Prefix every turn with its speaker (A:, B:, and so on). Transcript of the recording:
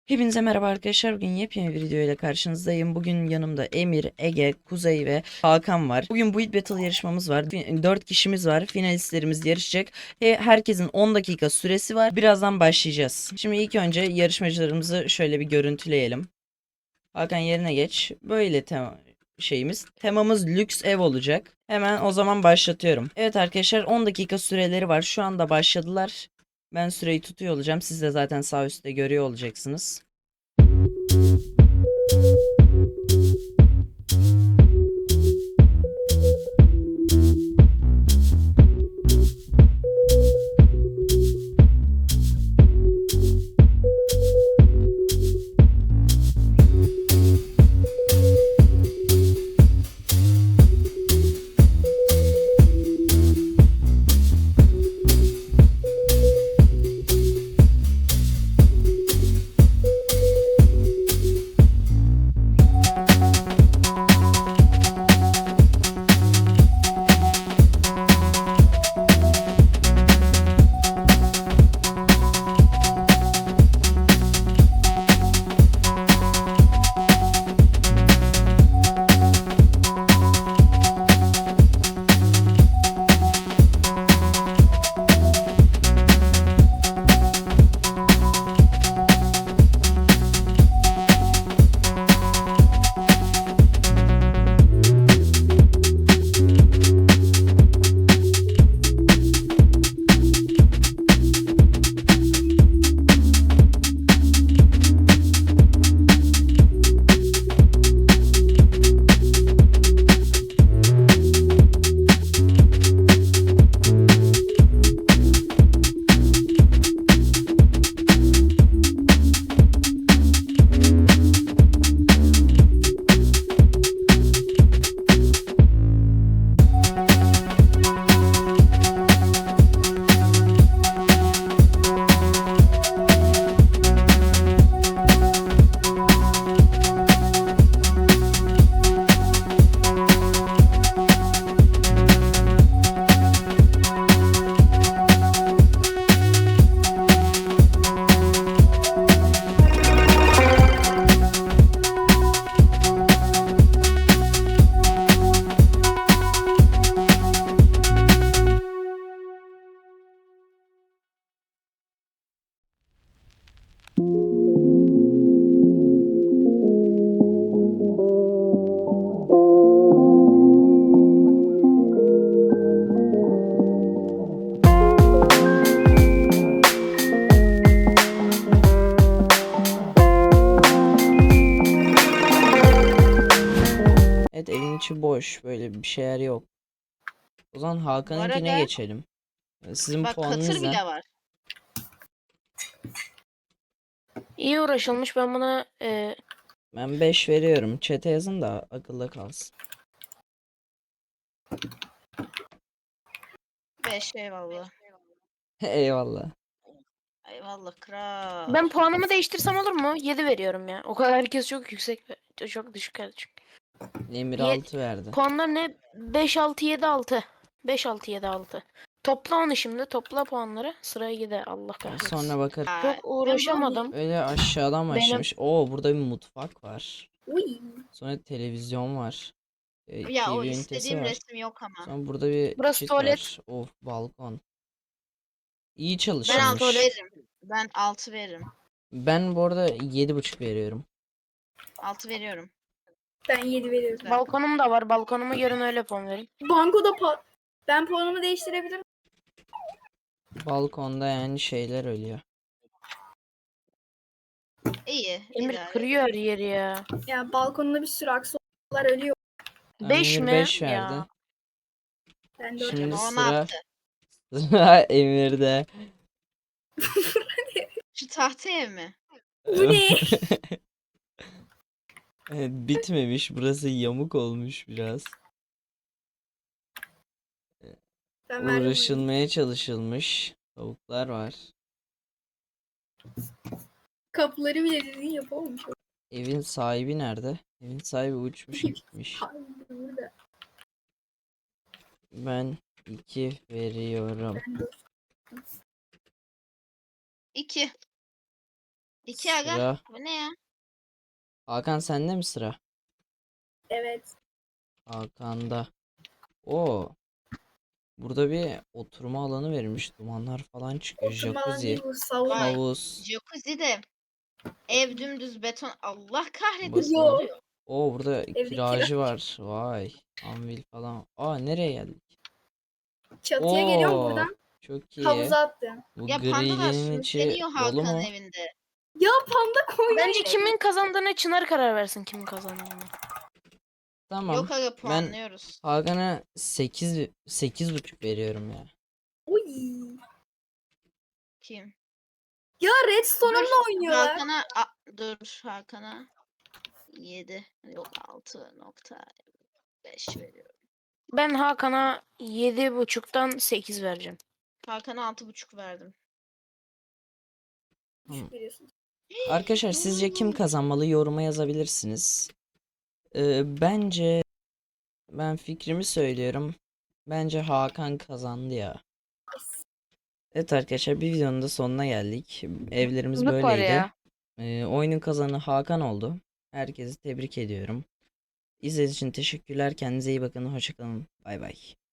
A: Hepinize merhaba arkadaşlar. Bugün yepyeni bir video ile karşınızdayım. Bugün yanımda Emir, Ege, Kuzey ve Hakan var. Bugün Build Battle yarışmamız var. 4 kişimiz var. Finalistlerimiz yarışacak. Herkesin 10 dakika süresi var. Birazdan başlayacağız. Şimdi ilk önce yarışmacılarımızı şöyle bir görüntüleyelim. Hakan yerine geç. Böyle temamız lüks ev olacak. Hemen o zaman başlatıyorum. Evet arkadaşlar 10 dakika süreleri var. Şu anda başladılar. Ben süreyi tutuyor olacağım. Siz de zaten sağ üstte görüyor olacaksınız. Evet evin içi boş. Böyle bir şeyler yok. O zaman
B: Bu
A: Hakan'ınkine
B: arada
A: geçelim. Sizin
B: bak
A: puanınız
B: katır
A: ne?
B: bile var.
C: İyi uğraşılmış. Ben buna
A: Ben 5 veriyorum. Chat'e yazın da akılda kalsın.
B: 5 eyvallah.
A: Eyvallah.
B: Eyvallah kral.
C: ben puanımı değiştirsem olur mu? 7 veriyorum ya. O kadar herkes çok yüksek, çok düşük geldi çünkü.
A: Emir
C: Ye-
A: 6 verdi.
C: Puanlar ne? 5 6 7 6. 5 6 7 6. Topla onu şimdi. Topla puanları. Sıraya gide. Allah kahretsin.
A: Sonra bakarım.
B: Aa,
C: Çok
B: ben
C: uğraşamadım.
A: Öyle aşağıdan
C: Benim
A: başlamış. Oo burada bir mutfak var.
D: Uy.
A: Sonra televizyon var.
B: ya o
A: TV ünitesi
B: istediğim
A: var.
B: resim yok ama.
A: Sonra burada bir
C: Burası
A: çit
C: tuvalet.
A: var. Of balkon. İyi
B: Ben
A: çalışılmış.
B: 6 veririm. Ben 6 veririm.
A: Ben bu arada 7,5 veriyorum.
B: 6 veriyorum.
D: Ben 7 veriyorum.
B: Güzel.
C: Balkonum da var. Balkonumu yarın öyle puan verin.
D: Bankoda ben puanımı değiştirebilirim.
A: Balkonda yani şeyler ölüyor.
B: İyi.
C: Emir
B: idare.
C: kırıyor her yeri ya.
D: Ya balkonunda bir sürü aksollar ölüyor.
C: 5
A: Emir
C: mi?
A: 5 verdi.
C: Ya.
D: Ben 4
A: Şimdi
B: O ne
A: sıra
B: yaptı?
A: Emir'de.
B: Şu tahta ev mi?
D: Bu ne?
A: Evet, bitmemiş. Burası yamuk olmuş biraz.
D: Ben verdim.
A: Uğraşılmaya çalışılmış. Tavuklar var.
D: Kapıları bile düzgün yapamamış.
A: Evin sahibi nerede? Evin sahibi uçmuş gitmiş.
D: Hayır, burada.
A: Ben 2 veriyorum.
D: Ben 4.
B: 2. 2 aga.
A: Sıra.
B: Bu ne ya?
A: Hakan sende mi sıra?
D: Evet.
A: Hakan'da. Oo. Burada bir oturma alanı verilmiş. Dumanlar falan çıkıyor.
D: Oturma alanı
A: Jacuzzi,
D: değil bu sauna.
B: Vay.
A: havuz.
B: Jacuzzi de ev dümdüz beton. Allah kahretsin.
A: Bakalım.
B: Ne oluyor?
A: Oo burada
D: Evde
A: kiracı var. Vay. Anvil falan. Aa nereye geldik?
D: Çatıya geliyorum
A: Oo.
D: buradan.
A: Çok iyi.
D: Havuza attım.
A: Bu
B: Ya pandalar
A: grillin içi
B: sürükleniyor
A: dolu
B: Hakan'ın
A: mu?
B: evinde.
D: Ya panda koymuş.
C: Bence kimin kazandığına Çınar karar versin kimin kazandığını.
A: Tamam.
B: Yok aga
A: Ben
B: puanlıyoruz.
A: Hakan'a 8,5 veriyorum ya.
D: Uy.
B: Kim?
D: Ya Redstone'umla oynuyorlar.
B: Dur Hakan'a 7 yok 6,5 veriyorum.
C: Ben Hakan'a 7,5'tan 8 vereceğim.
B: Hakan'a 6,5 verdim.
A: Tamam.
D: Biliyorsun.
A: Arkadaşlar sizce kim kazanmalı yoruma yazabilirsiniz. Bence ben fikrimi söylüyorum. Bence Hakan kazandı ya. Evet arkadaşlar bir videonun da sonuna geldik. Evlerimiz
C: Hızlık var
A: böyleydi.
C: ya.
A: Oyunun kazanı Hakan oldu. Herkesi tebrik ediyorum. İzlediğiniz için teşekkürler. Kendinize iyi bakın. Hoşça kalın. Bay bay.